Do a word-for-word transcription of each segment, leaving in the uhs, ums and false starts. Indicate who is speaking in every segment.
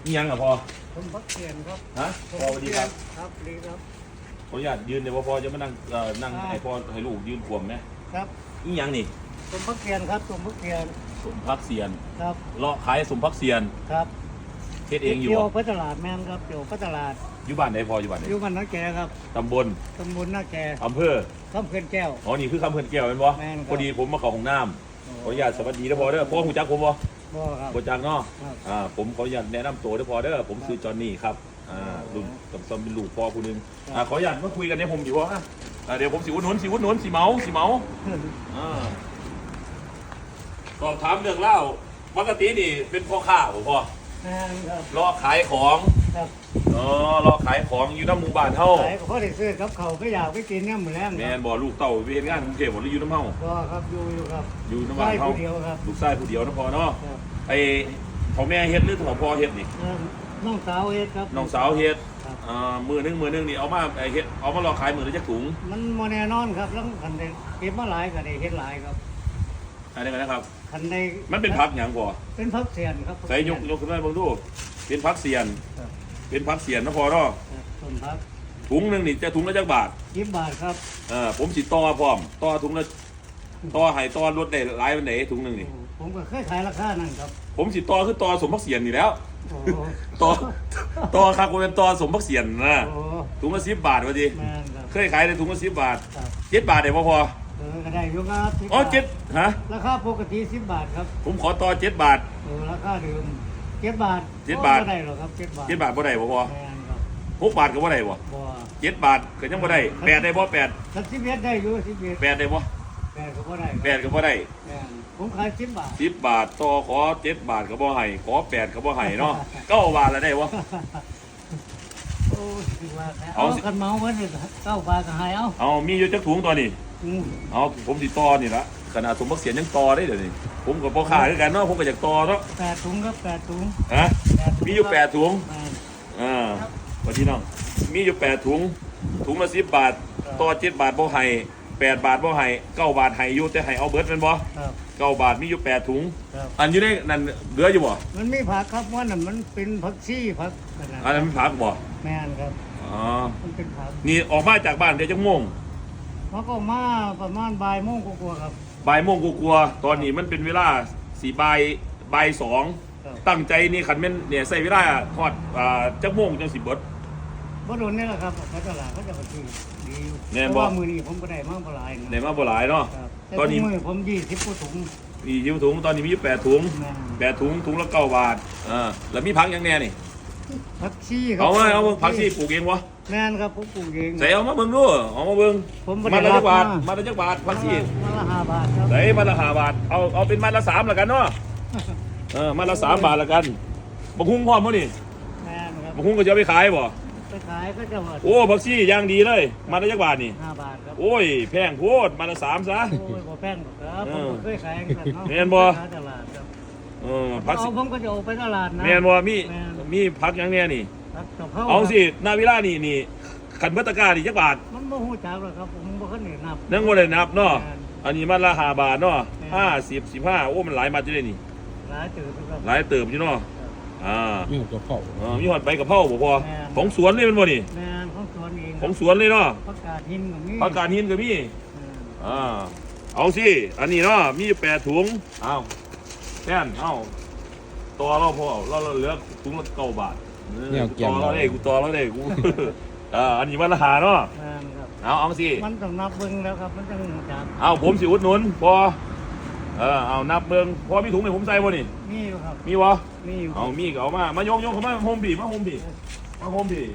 Speaker 1: นี่ยังอ่ะพอ
Speaker 2: ผมพักเกียนครับ
Speaker 1: ฮะพอสวัสดีครับ
Speaker 2: ครับดีครับ
Speaker 1: ขออนุญาตยืนเดี๋ยวพอจะมานั่งเอ่อนั่งให้พ่อให้ลูกยืนขวมไหม
Speaker 2: ครับ
Speaker 1: นี่ยังนี่
Speaker 2: ผมพักเกียนครับผมพักเกียน
Speaker 1: สมพักเซียน
Speaker 2: ครับ
Speaker 1: เลาะขายสมพักเซียน
Speaker 2: ครับ
Speaker 1: เฮ็ดเองอยู่
Speaker 2: เกี่ยวพัตลาดแม่นครับเกี่ยวพัตลาด
Speaker 1: อยู่บ้านไหนพออยู่บ้านไหน
Speaker 2: อยู่บ้านน้าแกครับ
Speaker 1: ตำบล
Speaker 2: ตำบลน้าแก
Speaker 1: อำเภอ
Speaker 2: คำเขื่อนแก้ว
Speaker 1: อ๋อนี่คือคำเพื่อนแก้วเป็นบ่พอดีผมมาเข้าห้องน้ำขออนุญาตสวัสดีนะพอเด้อพ่อหูจักผมบ่
Speaker 2: บ่ครับ
Speaker 1: บ่จักเนาะอ่าผมขออนุญาตแนะนำตัวเด้อพอเด้อผมชื่อจอห์นนี่ครับอ่ารุ่นกับซอมเป็นลูกพ่อผู้นึงอ่าขออนุญาตมาคุยกันเนี่ยผมอยู่ว่าอ่าเดี๋ยวผมสิอุดหนุนสิอุดหนุนสิเมาสิเมาอ่าสอบถามเรื่องเล่าปกตินี่เป็นพ่อค้าบ่พ่อ
Speaker 2: แม่นครับ
Speaker 1: รอขายของ
Speaker 2: ครับ
Speaker 1: อ๋อรอขายของอยู่น้ำหมู่บ้านเฮา
Speaker 2: ขายก็พอได้ซื้อกับเขาก็อยากไปกินเนี่ยเหมือนแรง
Speaker 1: แม่นบ่ลูกเต้าไปเฮ็ดงานกรุงเทพบ่หรืออยู่น้ำเฮา
Speaker 2: ก็ครับอยู่อยู่ครับ
Speaker 1: อยู่น้ำบ้านเฮาลูกชายผู้เดียวนะพ่อเนาะไอ้พ่อแม่เฮ็ดหรือพ่อเฮ็ดนี่
Speaker 2: น้องสาวเฮ็ดครับ
Speaker 1: น้องสาวเฮ็ดอ่ามือนึงมือนึงนี่เอามาไอ้เฮ็ดเอามารอขายมือละจักถุง
Speaker 2: มันบ่แน่นอนครับแล้วคันได้เก็บมาหลายก็ได้เฮ็ดหลายครับ
Speaker 1: อะไรกันนะครับ
Speaker 2: คันได้
Speaker 1: มันเป็นผักหยังพ่อ
Speaker 2: เป็นผักเสียนครับ
Speaker 1: ใส่ยกยกขึ้นมาเบิ่งดูเป็นผักเสียนเป็นผักเสียนนะพ่อเนาะ
Speaker 2: ต้นผัก
Speaker 1: ถุงนึงนี่จะถุงละจักบาท
Speaker 2: สิบบาทครับ
Speaker 1: เออผมสิต่อพร้อมต่อถุงละต่อให้ต่อลดได้หลายปานใดถุงนึงนี่
Speaker 2: ผมก็เคยขายราคานั่นครับ
Speaker 1: ผมสิต่อคือต่อสมผักเสียนนี่แล้วต่อต่อครับผมเป็นต่อสมผักเสียนนะถุงละสิบบาทว่าดิเคยขายในถุงละสิบบาทเจ็ดบาทได้บ่พอ
Speaker 2: เออก็ได้อยู่ครับ
Speaker 1: อ๋อเจ็ดฮะ
Speaker 2: ราคาปกติสิบบาทครับ
Speaker 1: ผมขอต่อเจ็ดบาท
Speaker 2: เออราคาเดิมเจ็ดบาท
Speaker 1: เจ็ดบาท
Speaker 2: บ่ได้หรอกครับเจ็ดบาท
Speaker 1: เจ็ดบาทบ่ได้บ่พอหกบาทก็บ่ได้บ่
Speaker 2: บ่
Speaker 1: เจ็ดบาทก็ยังบ่ได้แปดได้บ่แปด
Speaker 2: สักสิบเอ็ดได้อยู่สิบเอ็ด
Speaker 1: แปดได้บ่
Speaker 2: แปดก็บ่ได้
Speaker 1: แปดก็บ่ได้
Speaker 2: ผมขายสิบบาท
Speaker 1: สิบบาทต่อขอเจ็ดบาทก็บ่ให้ขอแปดก็บ่ให้เนาะเก้าบาทแล้วได้บ่
Speaker 2: โอ้สิว่าเอากันเมาไว้นี่เก้าบาทก็ให้เอา
Speaker 1: เอามีอยู่จักถุงตัวนี้เอาผมสิต่อนี่ละขนาดสมบักเสียนยังต่อได้เดี๋ยวนี้ผมกับพ่อค้าคือกันเนาะผมก็อยากต่อเนาะ
Speaker 2: แปดถุงครับแปดถุง
Speaker 1: ฮะมีอยู่แปดถุงอ่าวันที่น้องมีอยู่แปดถุงถุงละสิบบาทต่อเจ็ดบาทบ่ให้แปดบาทบ่ให้เก้าบาทให้อยู่แต่ให้เอาเบิร์ดเป็นบ่เก้าบาทมีอยู่แปดถุงอันอยู่ในนั่นเหลืออยู่บ่
Speaker 2: มันมีผักครับว่านั่นมันเป็นผักชีผัก
Speaker 1: อันนั้นผักบ่
Speaker 2: แม่นครับ
Speaker 1: อ๋อ
Speaker 2: มันเป็นผัก
Speaker 1: นี่ออกมาจากบ้านเดี๋ยวจะงง
Speaker 2: เขาก็มาประมาณบ่ายโมงกว่าๆครับ
Speaker 1: บ่ายโมงกว่าๆตอนนี้มันเป็นเวลาสี่บ่ายบ่ายสองตั้งใจนี่ขันเป็นเนี่ยใส่เวลาทอดอ่าจักโมงจังสิบเบิด
Speaker 2: บ่โดนนี่แหละครับเขาตลาดเขาจะมาซื้อดี
Speaker 1: เพ
Speaker 2: ราะว่ามือนี้ผมก็ได้มาบ่หลาย
Speaker 1: นะได้มาบ่หลายเนาะ
Speaker 2: ตอนนี้มือผมยี่สิบกว่าถุง
Speaker 1: ยี่สิบถุงตอนนี้มีอยู่แปดถุงแปดถุงถุงละเก้าบาทอ่าแล้วมีผักยังแน่นี่
Speaker 2: ผักชีครับ
Speaker 1: เอาไว้เอาผักชีปลูกเองวะ
Speaker 2: แม่นครับผมปลูกเอง
Speaker 1: ใส่เอามาเบิ่งดูเอามาเบิ่งมาละจักบาทมาละจักบาทผักชี
Speaker 2: มาละห้าบาทครับ
Speaker 1: ใส่มาละห้าบาทเอาเอาเป็นมาละสามละกันเนาะเออมาละสามบาทละกันบะฮุ้งพร้อมมั้นี่
Speaker 2: แม่นครับ
Speaker 1: บะฮุ้งก็จะไปขายบ่
Speaker 2: ไปขายก็จะหมด
Speaker 1: โอ้ผักชีย่างดีเลยมาละจักบาทนี่
Speaker 2: ห้าบาทครับ
Speaker 1: โอ้ยแพงโพดมาละสามซะ
Speaker 2: โอ้ยบ่แพงหรอกครับผมเคยขายกันเนาะ
Speaker 1: แม่นบ่
Speaker 2: ตลาดครับ
Speaker 1: เออผัก
Speaker 2: ชีผมก็จะออกไปตลาดนะ
Speaker 1: แม่นบ่มีมีผักยังแน่นี่เอาสินาวิลานี่นี่ขันเบตกานี่จักบาท
Speaker 2: มันบ่ฮู้จักหรอกครับผมบ่เคยนับ
Speaker 1: นั่งบ่ได้นับเนาะอันนี้มันละห้าบาทเนาะห้าสิบสิบห้าโอ้มันหลายมาอยู่เลยนี่
Speaker 2: หลายเติบครับ
Speaker 1: หลายเติบอยู่เนาะอ่า
Speaker 3: มีกระเพรา
Speaker 1: อ่ามีหอดใบกระเพราบ่พอของสวนเลยมันบ่นี่
Speaker 2: แม่นของสวนเอง
Speaker 1: ของสวนเลยเนาะ
Speaker 2: ผักกาดหินก็มี
Speaker 1: ผักกาดหินก็มีอ่าเอาสิอันนี้เนาะมีอยู่แปดถุงเอาแน่นเอาตัวเราพอเราเหลือถุงละเก้าบาทต่อเราได้กูต่อเราได้กูอ่าอันนี้มันราคาเนาะเอาเอาสิ
Speaker 2: มันต้องนับเบิ้งแล้วครับมันต้องจับ
Speaker 1: เอาผมสิอุดหนุนพอเออเอานับเบิ้งพอมีถุงไหนผมใส่บ่นี่
Speaker 2: มีอยู่ครับ
Speaker 1: มีวะ
Speaker 2: มีอยู่
Speaker 1: เอามีก็เอามามายกยกเข้ามาโฮมบีมาโฮมบีมาโฮมบี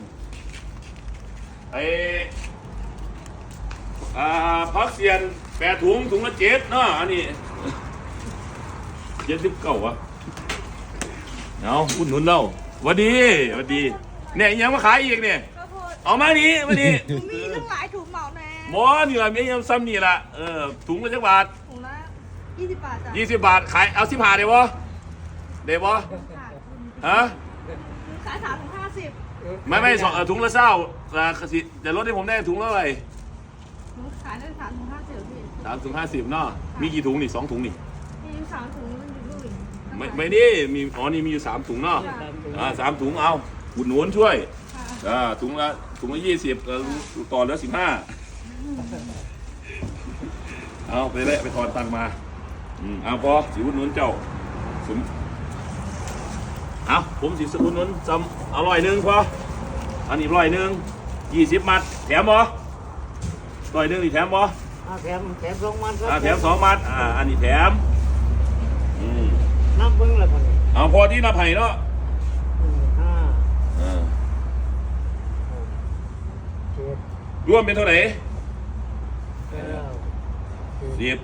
Speaker 1: ไออ่าพักเสียนแปดถุงถุงละเจ็ดเนาะอันนี้เจ็ดสิบเก้าวะเอาอุดหนุนเราวันดีวันดีเนี่ยยังมาขายอีกเนี่ยเอามานี้มานี้
Speaker 4: มีตั้งหลายถุงเหมาแน่
Speaker 1: หมอนี่ละไม่ยังซ้ำนี่ละเออถุงละจักบาท
Speaker 4: ถุงละยี่สิบบาทจ้ะ
Speaker 1: ยี่สิบบาทขายเอาสิบห้าได้บ่ได้บ่ฮะ
Speaker 4: ขายสามถุงห้าสิบ
Speaker 1: ไม่ไม่สองถุงละเศร้าจะลดให้ผมได้ถุงละอะไร
Speaker 4: ขายได้สามถุงห้าสิบพี่
Speaker 1: สามถุงห้าสิบเนาะมีกี่ถุงนี่สองถุงนี่
Speaker 4: มีสามถุงมันอยู่ด้วย
Speaker 1: ไม่ไม่นี่มีอ๋อนี่มีอยู่สามถุงเนาะออ่าสามถุงเอาอุดหนุนช่วย
Speaker 4: ค่ะ
Speaker 1: อ่าถุงละถุงละยี่สิบต่อเหลือสิบห้าเอาไปเลยไปทอนตังค์มาอืมเอาพอสิอุดหนุนเจ้าสมเอาผมสิอุดหนุนจำอร่อยหนึ่งพออันนี้ร้อยหนึ่งยี่สิบมัดแถมบ่ร้อยหนึ่งนี่แถมบ่
Speaker 2: อ่าแถมแถมสองมันครั
Speaker 1: อ่าแถมสองมัดอ่าอันนี้แถมอืม
Speaker 2: นับเบิ้งเลยคนนี้
Speaker 1: เอาพอที่นับให้เนาะ
Speaker 2: หนึ่งห้า
Speaker 1: อ่า
Speaker 2: หกเจ็ด
Speaker 1: รวมเป็นเท่าไหร่
Speaker 2: เก้าสิบ
Speaker 1: สิบ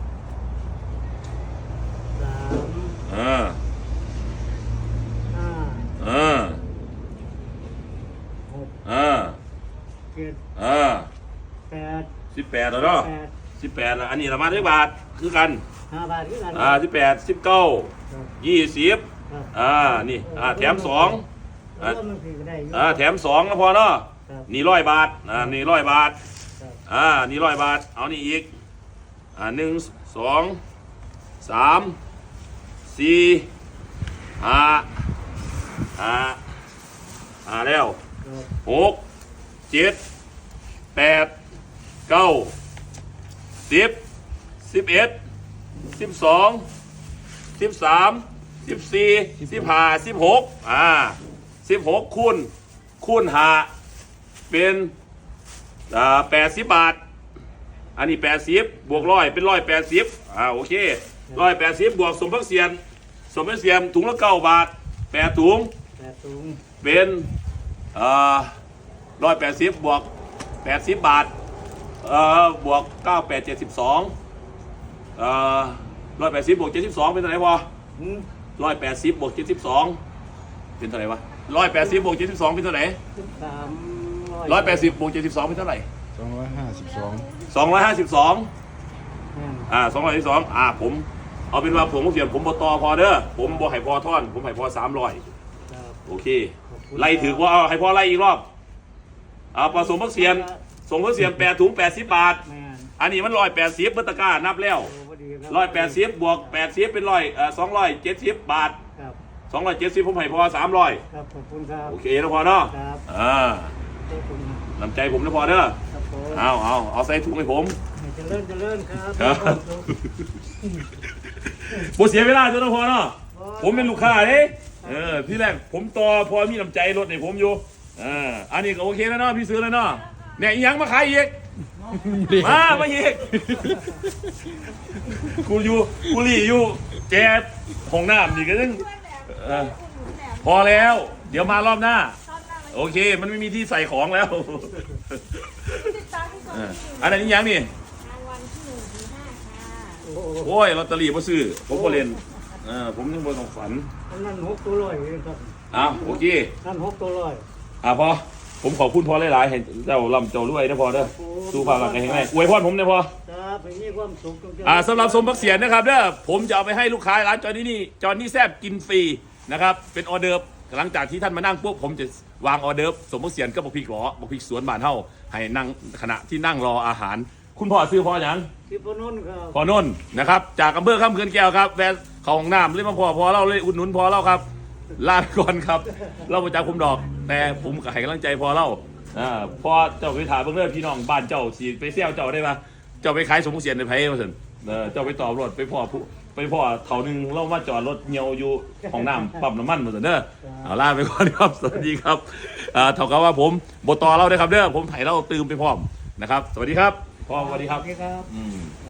Speaker 2: สาม
Speaker 1: อ่า
Speaker 2: ห้า
Speaker 1: อ่า
Speaker 2: หก
Speaker 1: อ่า
Speaker 2: เจ็ด
Speaker 1: อ่า
Speaker 2: แปด
Speaker 1: สิบแปดแล้วเนาะ
Speaker 2: แปด
Speaker 1: สิบแปดแล้วอันนี้ละมาได้บาทคือกัน
Speaker 2: ห้าบาทคือกัน
Speaker 1: อ่าสิบแปดสิบเก้า
Speaker 2: ครับ
Speaker 1: ยี่สิบ
Speaker 2: ครับ
Speaker 1: อ่านี่อ่าแถมสอง
Speaker 2: แล้วก็มันคือก็ได้อยู่
Speaker 1: อ่าแถมสองนะพอเนาะ
Speaker 2: ครับ
Speaker 1: นี่ร้อยบาทอ่านี่ร้อยบาท
Speaker 2: ครับ
Speaker 1: อ่านี่ร้อยบาทเอานี่อีกอ่าหนึ่งสองสามสี่ห้าห้าห้าแล้ว
Speaker 2: ครับ
Speaker 1: หกเจ็ดแปดเก้าสิบสิบเอ็ดสิบสองสิบสามสิบสี่สิบห้าสิบหกอ่าสิบหกคูณคูณห้าเป็นอ่าแปดสิบบาท อันนี้แปดสิบบวกร้อยเป็นร้อยแปดสิบอ่าโอเคร้อยแปดสิบบวกสมพักเสียนสมพักเสียนถุงละเก้าบาทแปดถุง
Speaker 2: แปดถุง
Speaker 1: เป็นร้อยแปดสิบบวกแปดสิบบาทเอ่อบวกเก้าแปดเจ็ดสิบสองเอ่อร้อยแปดสิบบวกเจ็ดสิบสองเป็นเท่าไหร่พอ
Speaker 2: หืม
Speaker 1: ร้อยแปดสิบบวกเจ็ดสิบสองเป็นเท่าไหร่วะร้อยแปดสิบบวกเจ็ดสิบสองเป็นเท่าไหร่
Speaker 2: สิบสาม
Speaker 1: ร้อยแปดสิบบวกเจ็ดสิบสองเป็นเท่าไหร่
Speaker 3: สองร้อยห้าสิบสอง
Speaker 1: สองร้อยห้าสิบสอง
Speaker 2: แม่น
Speaker 1: อ่าสองร้อยสิบสองอ่าผมเอาเป็นว่าผมเสียนผมบตอพอเด้อผมบ่ให้พอท่อนผมให้พอสามร้อย
Speaker 2: ครับ
Speaker 1: โอเคไล่ถือว่าเอาให้พอไล่อีกรอบเอาผสมพักเสียนส่งพักเสียนแปดถุงแปดสิบบาท
Speaker 2: แม่น
Speaker 1: อันนี้มันร้อยแปดสิบเบอร์ตะกร้านับแล้ว
Speaker 2: โอ้พอดีคบ
Speaker 1: ร้อยแปดสิบบวกแปดสิบเป็นร้อยเอ่อสองร้อยเจ็ดสิบบาท
Speaker 2: ครับ
Speaker 1: สองร้อยเจ็ดสิบผมให้พอสามร้อย
Speaker 2: ครับขอบคุณครับ
Speaker 1: โอเคนะพอเนาะ
Speaker 2: ครับ
Speaker 1: อ่า
Speaker 2: ขอบคุณ
Speaker 1: น้ำใจผมนะพอเด้อ
Speaker 2: ครับผม
Speaker 1: เอาเอาเอาใส่ถุงให้ผม
Speaker 2: ให้เจริญเจริญครับ
Speaker 1: ครับ ผมเสียเวลาจนนะพอเนาะผมเป็นลูกค้าเด้เออที่แรกผมต่อพอมีน้ำใจรถให้ผมอยู่อ่าอันนี้ก็โอเคแล้วเนาะพี่ซื้อแล้วเนาะเนี่ยอีหยังมาขายอีกมามาอีกกูอยู่กูรีอยู่แจกห้องน้ำนี่ก็ยัง
Speaker 4: เพื่อนแหนม
Speaker 1: เออ
Speaker 4: คุณหนูแหนม
Speaker 1: พอแล้ว เดี๋ยวมารอบหน้า
Speaker 4: ตอนหน้าเลย
Speaker 1: โอเค มันไม่มีที่ใส่ของแล้ว
Speaker 4: ติดตามที่กอง
Speaker 1: เออ
Speaker 4: ที่
Speaker 1: อันนั้นอีหยังนี่
Speaker 4: รางวัลที่หนึ่งถึงห้าค่ะ
Speaker 2: โอ้โห
Speaker 1: โอ้ยลอตเตอรี่มาซื้อผมก็เล่นเออผมยังบ่ต้องฝัน
Speaker 2: อันนั้นหกตัวร้อยเองครับ
Speaker 1: อ้าวโอเค
Speaker 2: นั่นหกตัวร้อย
Speaker 1: อ่ะพอผมขอบคุณพอหลายๆเห็นเจ้าลำเจ้ารวยนะพอเด้อสู้ความรักกันให้ไงอวยพรผมนะพอ
Speaker 2: ครับให้มีความสุขจงๆ
Speaker 1: อ่าสำหรับสมบักเสียนนะครับเด้อผมจะเอาไปให้ลูกค้าร้านจอนี่นี่จอนี่แซบกินฟรีนะครับเป็นออเดิร์ฟหลังจากที่ท่านมานั่งปุ๊บผมจะวางออเดิร์ฟสมบักเสียนก็บอกพริกหรอบอกพริกสวนบ้านเฮาให้นั่งขณะที่นั่งรออาหาร คุณพ่อซื้อพ่ออย่าง
Speaker 2: ที่พนนท์ครับ
Speaker 1: พอนนท์นะครับจากอำเภอข้ามเขื่อนแก้วครับแวะเข้าห้องน้ำเลยมาพอพอเราเลยอุดหนุนพอเราครับลาไปก่อนครับ เราประจากผมดอก แต่ผมก็ให้กำลังใจพอเราอ่าพอเจ้าไปถามเพื่อนพี่น้องบ้านเจ้าสีไปเซี่ยวเจ้าได้ปะเจ้าไปขายสมมุติเสียนในไผ่มาสินเออเจ้าไปต่อรถไปพ่อผู้ไปพ่อเท่านึงเรามาจอดรถเงียวอยู่ห้องน้ำปั๊มน้ำมันมาสินเด้อเอาลาไปก่อนครับสวัสดีครับอ่าเท่ากับว่าผมบทต่อเราได้ครับเด้อผมไถ่เราตื่มไปพร้อมนะครับ สวัสดีครับพ่อสวัสดีครับ
Speaker 2: ครับ
Speaker 1: อืม